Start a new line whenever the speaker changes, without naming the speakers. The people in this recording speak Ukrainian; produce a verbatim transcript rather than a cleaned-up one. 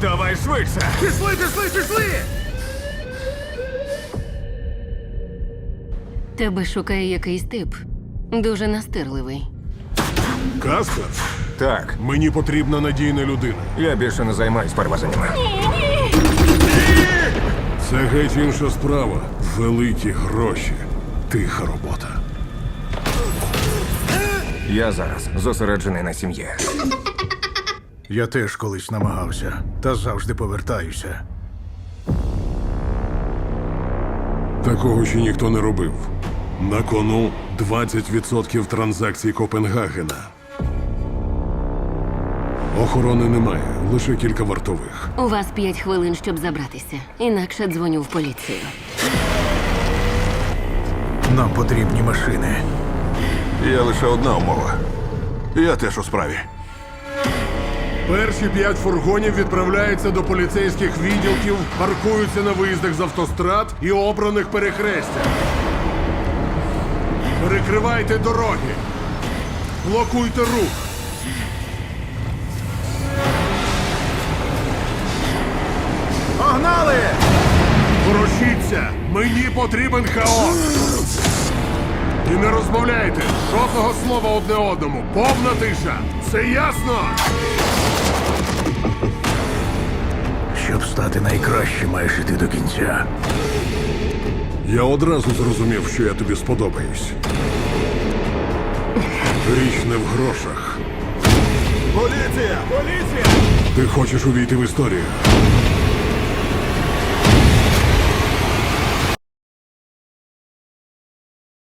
Давай швидше!
Пішли, пішли, пішли!
Тебе шукає якийсь тип. Дуже настирливий.
Каспер,
Так,
мені потрібна надійна людина.
я більше не займаюсь перевезеннями.
Це геть інша справа. Великі гроші. Тиха робота.
Я зараз зосереджений на сім'ї.
Я теж колись намагався, та завжди повертаюся.
Такого ще ніхто не робив. На кону двадцять відсотків транзакцій Копенгагена. Охорони немає, лише кілька вартових.
У вас п'ять хвилин, щоб забратися. Інакше дзвоню в поліцію.
Нам потрібні машини.
Є лише одна умова. Я теж у справі.
Перші п'ять фургонів відправляються до поліцейських відділків, паркуються на виїздах з автострад і обраних перехрестях. Перекривайте дороги. Блокуйте рух.
Погнали!
Ворушіться! Мені потрібен хаос! І не розмовляйте! Жодного слова одне одному! Повна тиша! Це ясно?
Щоб стати найкращим, маєш іти до кінця.
Я одразу зрозумів, що я тобі сподобаюсь. Річ не в грошах.
Поліція! Поліція!
Ти хочеш увійти в історію.